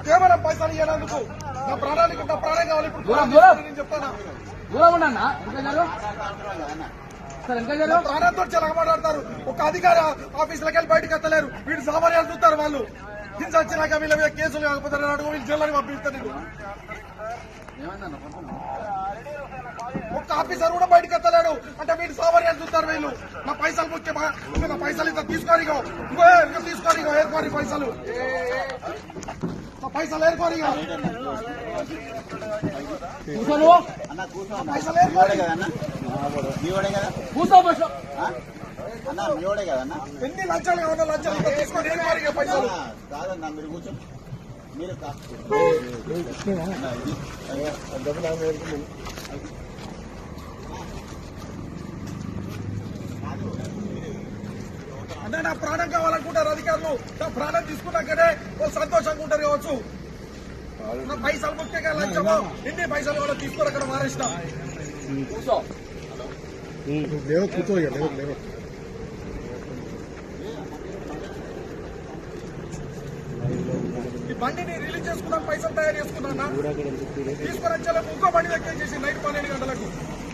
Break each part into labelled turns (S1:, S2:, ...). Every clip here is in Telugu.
S1: కేవలం పైసలు ఇవ్వడానికి నా ప్రాణానికి నా ప్రాణం కావాలి. ఇప్పుడు నేను చెప్తాను ప్రాణంతో చాలా మాట్లాడతారు. ఒక అధికారి ఆఫీసులకి వెళ్ళి బయటకు ఎత్తలేరు. వీడు సామాన్యాలు చూస్తారు. వాళ్ళు హింస వచ్చినాక వీళ్ళ మీద కేసులు కాకపోతే వీళ్ళు జిల్లాని పంపిస్తారు. ఒక్క ఆఫీసర్ కూడా బయటకు ఎత్తలేడు అంటే వీడు సామాన్యాలు చూస్తారు. వీళ్ళు నా పైసలు ముఖ్యమా? నా పైసలు ఇంత తీసుకోని తీసుకోని ఏర్కోని పైసలు పైసలు ఏర్కోని పైసలు ఏర్కోని ఎన్ని లంచాలు కావాలో లంచాలు ఇంత తీసుకొని ఏర్కోని పైసలు
S2: కాదన్నా మీరు కూర్చో. మీరు
S1: అంటే నా ప్రాణం కావాలనుకుంటారు అధికారులు. నా ప్రాణం తీసుకున్నాకనే వాళ్ళు సంతోషంగా ఉంటారు కావచ్చు. నా పైసలు ముఖ్యంగా లంచమో ఎన్ని పైసలు కూడా తీసుకొని అక్కడ మారేస్తా. ఈ బండిని రిలీజ్ చేసుకున్నాను, పైసలు తయారు చేసుకున్నా. తీసుకొని వచ్చేలకు ఇంకో బండి ఎక్కేసేసి నైట్ 12 గంటలకు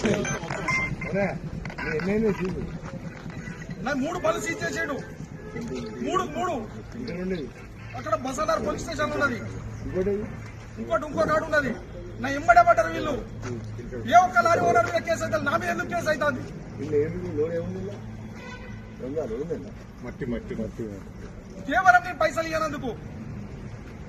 S1: నాకు 3 బళ్ళు సీజ్ చేసాడు. 3 అక్కడ బసాదార్ పోలీస్ స్టేషన్ ఉన్నది. ఇంకో నాడు ఉన్నది. నా ఎంబడే పడ్డారు వీళ్ళు. ఏ ఒక్క లారీ ఓనర్ మీద కేసు అవుతుంది. నా మీద ఎందుకు కేసు అవుతుంది? కేవలం నేను పైసలు ఇవ్వనందుకు